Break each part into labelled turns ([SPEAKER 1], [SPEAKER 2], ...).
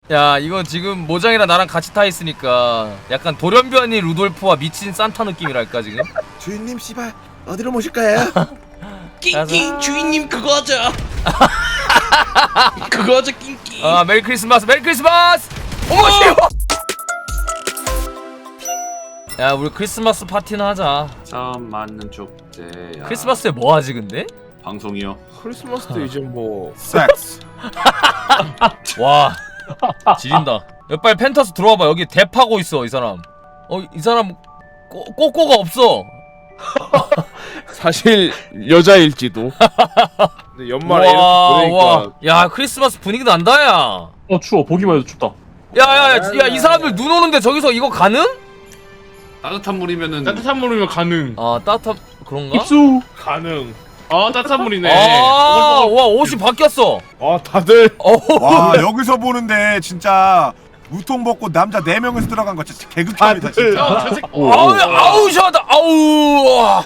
[SPEAKER 1] 야 이거 지금 모장이랑 나랑 같이 타 있으니까 약간 돌연변이 루돌프와 미친 산타 느낌이랄까 지금.
[SPEAKER 2] 주인님 씨발 어디로 모실까요?
[SPEAKER 3] 낑낑 주인님 그거 하자. 그거 하자 낑낑.
[SPEAKER 1] 아 메리 크리스마스 메리 크리스마스. 어머 씨. 야 우리 크리스마스 파티는 하자.
[SPEAKER 4] 처음 맞는 축제야.
[SPEAKER 1] 크리스마스에 뭐 하지 근데?
[SPEAKER 4] 방송이요.
[SPEAKER 2] 크리스마스 때 이제 뭐
[SPEAKER 5] 섹스.
[SPEAKER 1] 와 지린다. 야, 빨리 펜터스 들어와봐. 여기 대파고 있어 이 사람. 이 사람 꼬꼬가 없어.
[SPEAKER 2] 사실 여자일지도. 근데 연말에 이렇게 보내니까
[SPEAKER 1] 야 크리스마스 분위기 난다 야.
[SPEAKER 3] 추워. 보기만 해도 춥다.
[SPEAKER 1] 야야야 이 사람들 눈 오는데 저기서 이거 가능?
[SPEAKER 4] 따뜻한 물이면은
[SPEAKER 3] 따뜻한 물이면 가능.
[SPEAKER 1] 아 따뜻한 그런가?
[SPEAKER 3] 입수.
[SPEAKER 2] 가능.
[SPEAKER 3] 따뜻한 물이네.
[SPEAKER 1] 와 옷이 바뀌었어.
[SPEAKER 2] 다들
[SPEAKER 5] 와 여기서 보는데 진짜 우통 벗고 남자 4명에서 들어간 거 진짜 개극혐이다 진짜.
[SPEAKER 1] 아우 시원하다. 아우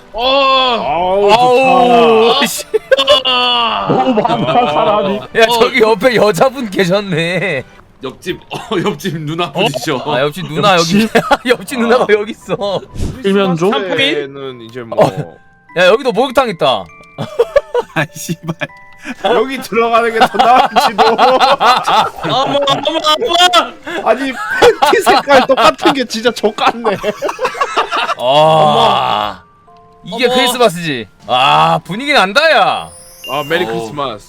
[SPEAKER 1] 아우 씨.
[SPEAKER 3] 너무 많다 사람이.
[SPEAKER 1] 야 저기 옆에 여자분 계셨네.
[SPEAKER 4] 옆집 옆집 누나 분이셔.
[SPEAKER 1] 아 옆집 누나 여기 옆집 누나가 여기 있어.
[SPEAKER 3] 일면조?
[SPEAKER 2] 때는 이제 뭐
[SPEAKER 1] 야 여기도 목욕탕 있다.
[SPEAKER 5] 아이 씨발.
[SPEAKER 2] 여기 들어가는 게 더 나을지도.
[SPEAKER 3] 어머.
[SPEAKER 2] 아니 팬티 색깔 똑같은 게 진짜 족같네.
[SPEAKER 1] 이게
[SPEAKER 3] 어머.
[SPEAKER 1] 크리스마스지. 아 분위기 난다 야.
[SPEAKER 2] 메리 크리스마스.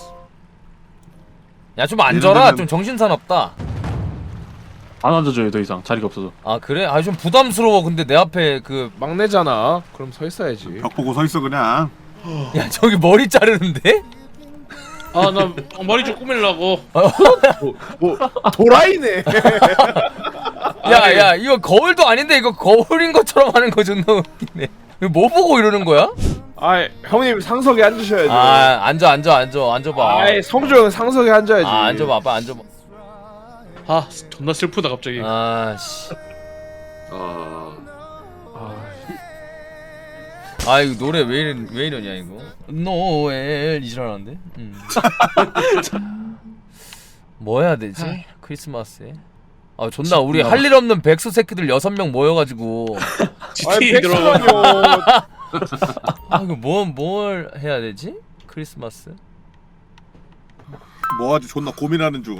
[SPEAKER 1] 야 좀 앉아라. 좀 정신사납다.
[SPEAKER 3] 안 앉아줘요 더 이상 자리가 없어서.
[SPEAKER 1] 아 그래? 아 좀 부담스러워. 근데 내 앞에 그
[SPEAKER 2] 막내잖아. 그럼 서 있어야지.
[SPEAKER 5] 벽 보고 서 있어 그냥.
[SPEAKER 1] 야 저기 머리 자르는데?
[SPEAKER 3] 나 머리 좀 꾸밀라고.
[SPEAKER 2] 뭐 도라이네.
[SPEAKER 1] 야 이거 거울도 아닌데 이거 거울인 것처럼 하는 거 존나 웃기네. 이거 뭐 보고 이러는 거야?
[SPEAKER 2] 형님 상석에 앉으셔야죠.
[SPEAKER 1] 앉아봐.
[SPEAKER 2] 성주 형 상석에 앉아야지.
[SPEAKER 1] 앉아봐 빨리 앉아봐.
[SPEAKER 3] 존나 슬프다 갑자기.
[SPEAKER 1] 아씨. 이거 노래 왜 이러냐 이거. 노엘 이 지랄하는데. 뭐 해야 되지? 크리스마스에. 존나 우리 할 일 없는 백수 새끼들 6명 모여가지고.
[SPEAKER 3] GTA 들어가.
[SPEAKER 2] 백수만요.
[SPEAKER 1] 이거 뭘 해야 되지? 크리스마스.
[SPEAKER 5] 뭐하지 존나 고민하는 중.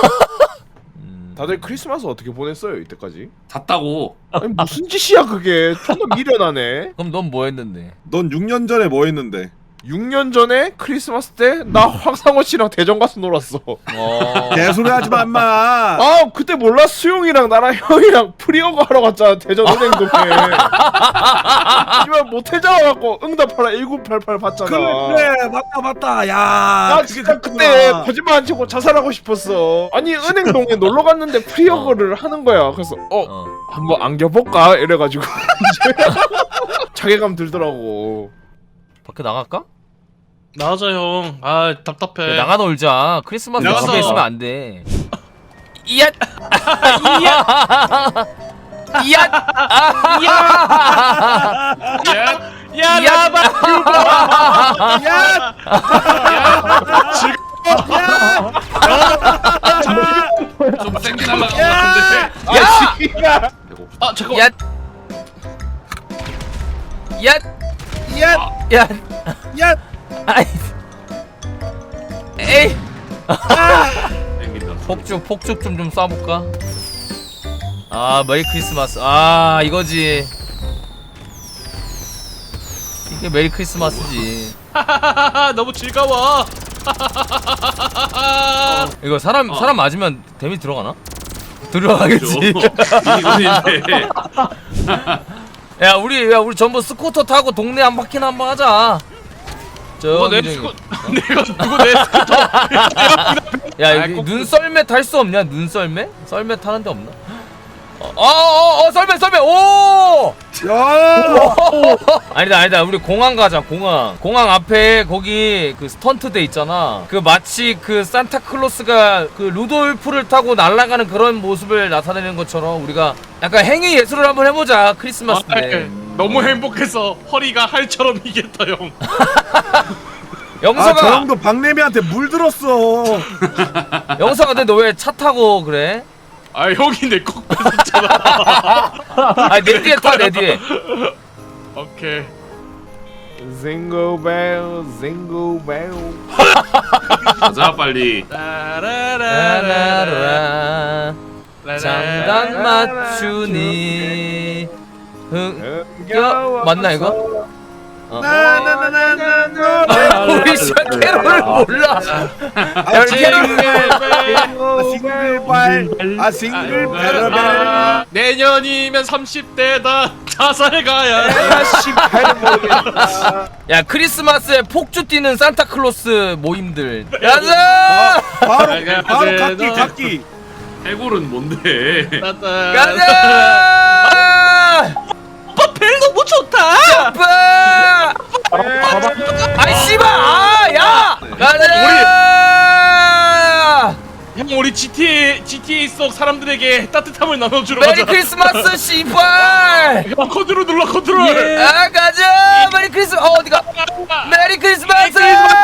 [SPEAKER 2] 다들 크리스마스 어떻게 보냈어요 이때까지?
[SPEAKER 4] 잤다고.
[SPEAKER 2] 아니 무슨 짓이야 그게. 존나 미련하네.
[SPEAKER 1] 그럼 넌 뭐 했는데?
[SPEAKER 5] 넌 6년 전에 뭐 했는데?
[SPEAKER 2] 6년 전에 크리스마스 때 나 황상호 씨랑 대전 가서 놀았어.
[SPEAKER 5] 개소리 하지 마 인마.
[SPEAKER 2] 그때 몰라? 수용이랑 나랑 형이랑 프리어거 하러 갔잖아 대전 은행동에. 이만 모텔 잡아갖고 응답하라 1988 받잖아.
[SPEAKER 5] 그래 맞다. 야.
[SPEAKER 2] 나 진짜 그때 거짓말 안 치고 자살하고 싶었어. 아니 은행동에 놀러 갔는데 프리어거를 하는 거야. 그래서 한번 안겨볼까 이래가지고 자괴감 들더라고.
[SPEAKER 1] 밖에 나갈까?
[SPEAKER 3] 나가자 형. 답답해.
[SPEAKER 1] 나가 놀자. 크리스마스
[SPEAKER 3] 나가서.
[SPEAKER 1] 집에 있으면 안 돼. 이야.
[SPEAKER 3] 야 나봐.
[SPEAKER 4] 좀 세게 날라간 것 같은데.
[SPEAKER 3] 잠깐.
[SPEAKER 1] 야. 아이. 에이.
[SPEAKER 4] 땡긴다.
[SPEAKER 1] 폭죽 좀 쏴볼까? 메리 크리스마스. 이거지. 이게 메리 크리스마스지.
[SPEAKER 3] 너무 즐거워.
[SPEAKER 1] 이거 사람 맞으면 데미지 들어가나? 들어가겠지.
[SPEAKER 4] 이건인데.
[SPEAKER 1] 야 우리 전부 스쿠터 타고 동네 한 바퀴나 한번 하자.
[SPEAKER 3] 누가 내
[SPEAKER 1] 저기
[SPEAKER 3] 스쿠 누구 내 스쿠터.
[SPEAKER 1] 야 여기 눈썰매 탈 수 없냐? 눈썰매? 썰매 타는 데 없나? 썰매 오! 아니다 우리 공항 가자. 공항 앞에 거기 그 스턴트 대 있잖아. 그 마치 그 산타클로스가 그 루돌프를 타고 날아가는 그런 모습을 나타내는 것처럼 우리가 약간 행위 예술을 한번 해보자. 크리스마스 때.
[SPEAKER 3] 너무 행복해서 허리가 할처럼 이겠다 형.
[SPEAKER 5] 저
[SPEAKER 1] 영석아,
[SPEAKER 5] 형도 박래미한테 물들었어.
[SPEAKER 1] 영석아, 근데 너 왜 차 타고 그래?
[SPEAKER 3] 아 형이 내 꼭 뺏었잖아.
[SPEAKER 1] 아니 내 뒤에 타, 내 뒤에.
[SPEAKER 3] 오케이.
[SPEAKER 2] Jingle bell, jingle bell.
[SPEAKER 4] 가자 빨리.
[SPEAKER 1] 라라라라 장단 맞추니 흥겨 맞나 이거?
[SPEAKER 5] 나나나나나.
[SPEAKER 1] 우리 시간 캐롤을 몰라. 야,
[SPEAKER 5] 싱글발. 싱글베러벨.
[SPEAKER 3] 내년이면 30대다. 자살 가야.
[SPEAKER 2] 아씨 잘 모르겠다.
[SPEAKER 1] 야 크리스마스에 폭주 뛰는 산타클로스 모임들. 가자.
[SPEAKER 5] 바로 각기.
[SPEAKER 4] 해골은 뭔데?
[SPEAKER 1] 가자.
[SPEAKER 3] 벨 너무 좋다.
[SPEAKER 1] 점프. 아이 씨발. 야. 가자.
[SPEAKER 3] 형 우리 GTA 속 사람들에게 따뜻함을 나눠주러
[SPEAKER 1] 메리
[SPEAKER 3] 가자.
[SPEAKER 1] 크리스마스 씨발.
[SPEAKER 3] 형 컨트롤 눌러 컨트롤.
[SPEAKER 1] 아 가자. 메리 크리스마스. 어디가? 메리 크리스마스.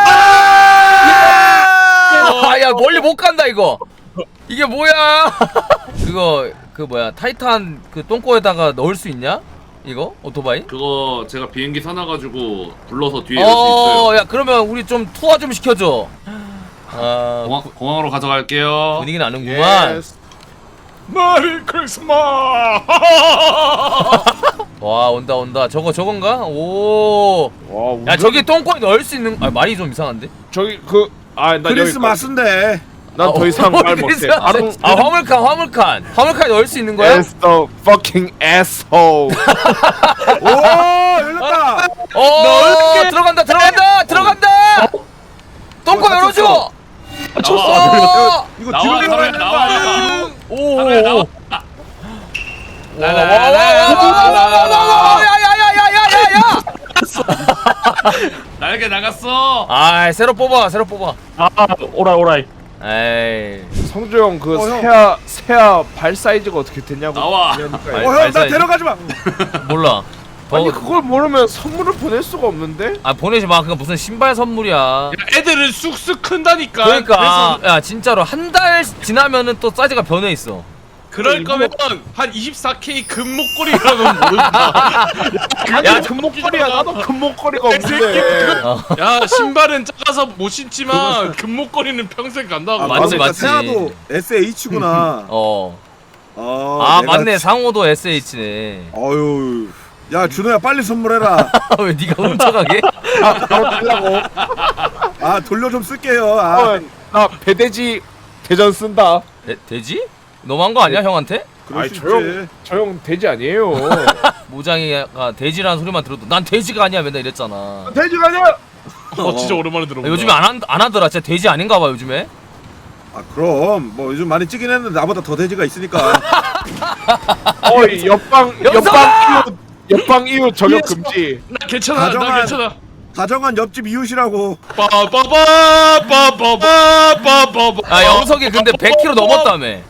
[SPEAKER 1] 아야 멀리 못 간다 이거. 이게 뭐야? 그거 그 뭐야 타이탄 그 똥꼬에다가 넣을 수 있냐? 이거 오토바이?
[SPEAKER 4] 그거 제가 비행기 사놔가지고 불러서 뒤에 넣을 수 있어요.
[SPEAKER 1] 야 그러면 우리 좀 투하 좀 시켜줘. 아
[SPEAKER 4] 공항으로 가져갈게요.
[SPEAKER 1] 분위기 나는구만.
[SPEAKER 2] Yes.
[SPEAKER 3] 메리 크리스마스.
[SPEAKER 1] 와 온다. 저건가? 오.
[SPEAKER 2] 와,
[SPEAKER 1] 야 저기 똥꼬에 넣을 수 있는. 아 말이 좀 이상한데?
[SPEAKER 2] 저기 나
[SPEAKER 5] 크리스마스인데.
[SPEAKER 2] 난 더 이상 말 못해. 바로
[SPEAKER 1] 화물칸 넣을 수 있는 거야?
[SPEAKER 2] As the fucking asshole.
[SPEAKER 5] 오 열렸다.
[SPEAKER 1] 들어간다. 똥꼬 열어줘.
[SPEAKER 4] 나와.
[SPEAKER 5] 이거
[SPEAKER 4] 나와,
[SPEAKER 5] 뒤로
[SPEAKER 4] 나와,
[SPEAKER 5] 내려가야 되는 거
[SPEAKER 4] 나와.
[SPEAKER 5] 아니야?
[SPEAKER 4] 하늘에 나와.
[SPEAKER 1] 야야야야야야야야.
[SPEAKER 4] 날개 나갔어.
[SPEAKER 1] 아 새로 뽑아.
[SPEAKER 3] 오라이.
[SPEAKER 1] 에이.
[SPEAKER 2] 성주 형 그
[SPEAKER 5] 형.
[SPEAKER 2] 새야 발 사이즈가 어떻게 됐냐고.
[SPEAKER 4] 나와.
[SPEAKER 2] 그러니까요.
[SPEAKER 5] 형 나
[SPEAKER 1] 발사이즈.
[SPEAKER 5] 데려가지 마.
[SPEAKER 1] 몰라.
[SPEAKER 2] 아니 그걸 모르면 선물을 보낼 수가 없는데.
[SPEAKER 1] 아 보내지 마. 그거 무슨 신발 선물이야.
[SPEAKER 3] 야, 애들은 쑥쑥 큰다니까.
[SPEAKER 1] 그러니까 야 진짜로 한 달 지나면은 또 사이즈가 변해 있어.
[SPEAKER 3] 그럴 거면 한 24K 금목걸이라는 모른다.
[SPEAKER 2] 야 금목걸이야. 나도 금목걸이가 없는데.
[SPEAKER 3] 야 신발은 작아서 못 신지만 금목걸이는 평생 간다고.
[SPEAKER 1] 맞지,
[SPEAKER 5] 그러니까
[SPEAKER 1] 맞지.
[SPEAKER 5] 세아도 SH구나.
[SPEAKER 1] 아 맞네. 상호도 SH네.
[SPEAKER 5] 어유. 야 준호야 빨리 선물해라.
[SPEAKER 1] 왜 네가 훔쳐가게?
[SPEAKER 2] 바로 달라고.
[SPEAKER 5] 아 돌려 좀 쓸게요. 아.
[SPEAKER 2] 나 배돼지 대전 쓴다.
[SPEAKER 1] 돼지? 너무한 거 아니야 형한테?
[SPEAKER 5] 그럴
[SPEAKER 2] 아니
[SPEAKER 5] 수
[SPEAKER 2] 저
[SPEAKER 5] 있지.
[SPEAKER 2] 형 돼지 아니에요.
[SPEAKER 1] 모장이가 돼지라는 소리만 들어도 난 돼지가 아니야 맨날 이랬잖아.
[SPEAKER 2] 돼지가 아니야.
[SPEAKER 3] 진짜 오랜만에 들어본다.
[SPEAKER 1] 요즘에 안 하더라. 진짜 돼지 아닌가 봐 요즘에.
[SPEAKER 5] 아 그럼 뭐 요즘 많이 찌긴 했는데 나보다 더 돼지가 있으니까.
[SPEAKER 2] 어이 옆방 이웃 저격 금지.
[SPEAKER 3] 나 괜찮아. 나
[SPEAKER 5] 다정한-
[SPEAKER 3] 괜찮아.
[SPEAKER 5] 다정한 옆집 이웃이라고.
[SPEAKER 3] 빠바바바바바바바.
[SPEAKER 1] 아 영석이 근데 100kg 넘었다며.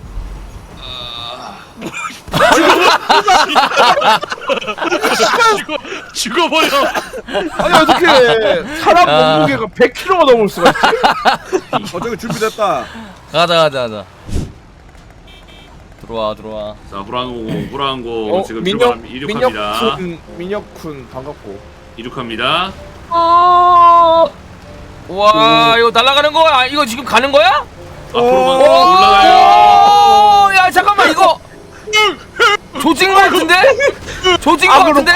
[SPEAKER 3] 죽어버려.
[SPEAKER 2] 아니 어떻게 사람
[SPEAKER 1] 아.
[SPEAKER 2] 몸무게가 100kg가 넘을 수가 있지?
[SPEAKER 5] 저기 준비됐다.
[SPEAKER 1] 가자. 들어와.
[SPEAKER 4] 자 후랑고 지금 이륙합니다.
[SPEAKER 2] 민혁군 반갑고.
[SPEAKER 4] 이륙합니다.
[SPEAKER 1] 와 이거 날아가는 거? 아 이거 지금 가는 거야?
[SPEAKER 4] 앞으로만 올라가요.
[SPEAKER 1] 야 잠깐만 이거 조진 거 같은데? 조진 거 같은데?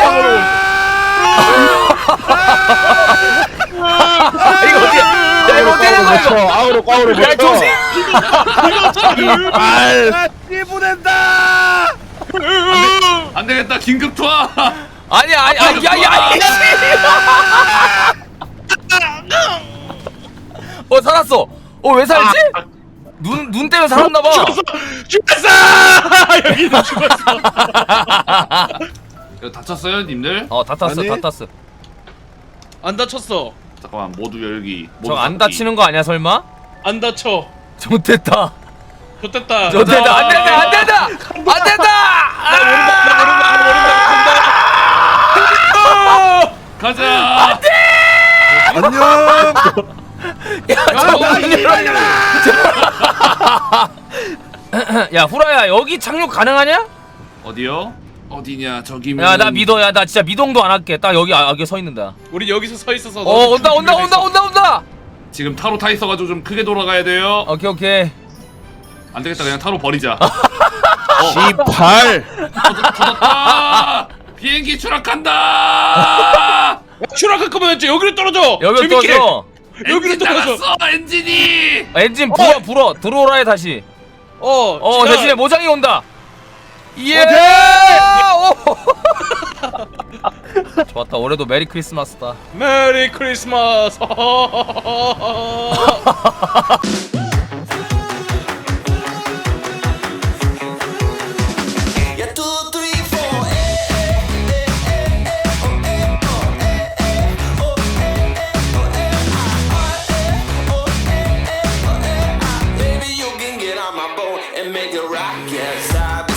[SPEAKER 1] 이거 어떻게? 야 이거 어떻게 된 거야 이거?
[SPEAKER 2] 아우로
[SPEAKER 1] 야 조진!
[SPEAKER 5] 아, 보낸다.
[SPEAKER 4] 안 되겠다. 긴급 투하.
[SPEAKER 1] 아니야 야 살았어. 왜 살지? 눈 때문에 살았나봐.
[SPEAKER 3] 죽었어. 여기는 죽었어.
[SPEAKER 4] 이거 다쳤어요, 님들?
[SPEAKER 1] 다 탔어.
[SPEAKER 3] 안 다쳤어.
[SPEAKER 4] 잠깐만 모두 열기.
[SPEAKER 1] 저 안 다치는 거 아니야 설마?
[SPEAKER 3] 안 다쳐.
[SPEAKER 1] 좋됐다.
[SPEAKER 3] 좋됐다.
[SPEAKER 1] 안 된다.
[SPEAKER 3] 나 모른다.
[SPEAKER 4] 가자.
[SPEAKER 5] 안녕.
[SPEAKER 1] 야 후라야 여기 착륙 가능하냐?
[SPEAKER 4] 어디요? 어디냐 저기면.
[SPEAKER 1] 야 나 믿어. 야 나 진짜 미동도 안 할게. 딱 여기 서 있는다.
[SPEAKER 3] 우리 여기서 서 있어서.
[SPEAKER 1] 온다.
[SPEAKER 4] 지금 타로 타 있어가지고 좀 크게 돌아가야 돼요.
[SPEAKER 1] 오케이.
[SPEAKER 4] 안 되겠다 그냥 타로 버리자.
[SPEAKER 2] 18.
[SPEAKER 4] 터졌다. 비행기 추락한다.
[SPEAKER 3] 추락할 거면 이제 여기로 떨어져.
[SPEAKER 1] 여기
[SPEAKER 3] 재밌게.
[SPEAKER 1] 떠줘.
[SPEAKER 3] 여기로
[SPEAKER 4] 엔진
[SPEAKER 3] 떨어져.
[SPEAKER 4] 나갔어 엔진이.
[SPEAKER 1] 엔진 불어 들어오라 해 다시.
[SPEAKER 3] 제가-
[SPEAKER 1] 대신에 모장이 온다. 예. 좋았다. 올해도 메리 크리스마스다.
[SPEAKER 3] 메리 크리스마스.
[SPEAKER 6] Yeah, 2, 3, 4. Baby, you can get on my boat and make it rock. Yes, I